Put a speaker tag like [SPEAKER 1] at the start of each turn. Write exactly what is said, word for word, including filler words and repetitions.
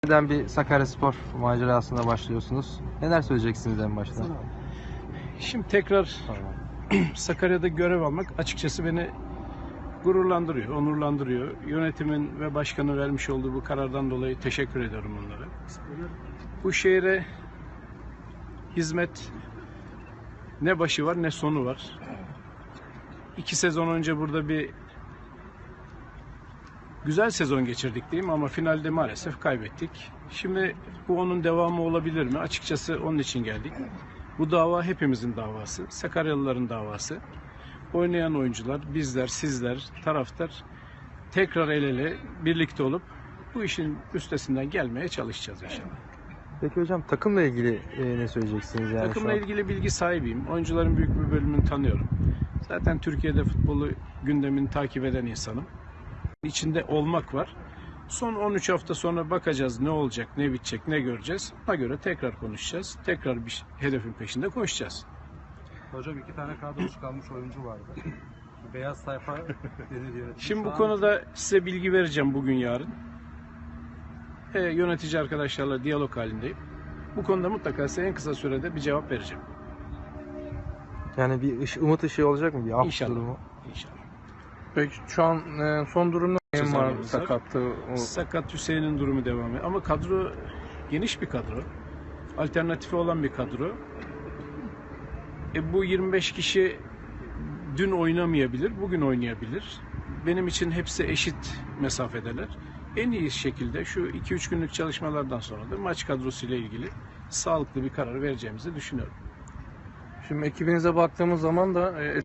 [SPEAKER 1] Neden bir Sakaryaspor macerasına başlıyorsunuz? Neler söyleyeceksiniz en başta?
[SPEAKER 2] Şimdi tekrar Sakarya'da görev almak açıkçası beni gururlandırıyor, onurlandırıyor. Yönetimin ve başkanın vermiş olduğu bu karardan dolayı teşekkür ediyorum onlara. Bu şehre hizmet ne başı var ne sonu var. İki sezon önce burada bir güzel sezon geçirdik diyeyim ama finalde maalesef kaybettik. Şimdi bu onun devamı olabilir mi? Açıkçası onun için geldik. Bu dava hepimizin davası, Sakaryalıların davası. Oynayan oyuncular, bizler, sizler, taraftar tekrar el ele birlikte olup bu işin üstesinden gelmeye çalışacağız inşallah.
[SPEAKER 1] Peki hocam takımla ilgili e, ne söyleyeceksiniz yani
[SPEAKER 2] Takımla
[SPEAKER 1] şu an?
[SPEAKER 2] ilgili bilgi sahibiyim. Oyuncuların büyük bir bölümünü tanıyorum. Zaten Türkiye'de futbolu gündemini takip eden insanım. İçinde olmak var. Son on üç hafta sonra bakacağız ne olacak, ne bitecek, ne göreceğiz. Ona göre tekrar konuşacağız. Tekrar bir hedefin peşinde koşacağız.
[SPEAKER 3] Hocam iki tane kadrosu kalmış oyuncu vardı. Beyaz sayfa deniliyor.
[SPEAKER 2] Şimdi bu konuda size bilgi vereceğim bugün yarın. E, yönetici arkadaşlarla diyalog halindeyim. Bu konuda mutlaka size en kısa sürede bir cevap vereceğim.
[SPEAKER 1] Yani bir ış- umut ışığı olacak mı? Bir af
[SPEAKER 2] İnşallah.
[SPEAKER 1] durumu.
[SPEAKER 2] İnşallah.
[SPEAKER 4] Peki şu an e, son durumda neyin var
[SPEAKER 2] Sezonumuz var.
[SPEAKER 4] sakattı? O...
[SPEAKER 2] Sakat Hüseyin'in durumu devam ediyor. Ama kadro geniş bir kadro. Alternatifi olan bir kadro. E, bu yirmi beş kişi dün oynamayabilir, bugün oynayabilir. Benim için hepsi eşit mesafedeler. En iyi şekilde şu iki üç günlük çalışmalardan sonra da maç kadrosuyla ilgili sağlıklı bir karar vereceğimizi düşünüyorum.
[SPEAKER 4] Şimdi ekibinize baktığımız zaman da e,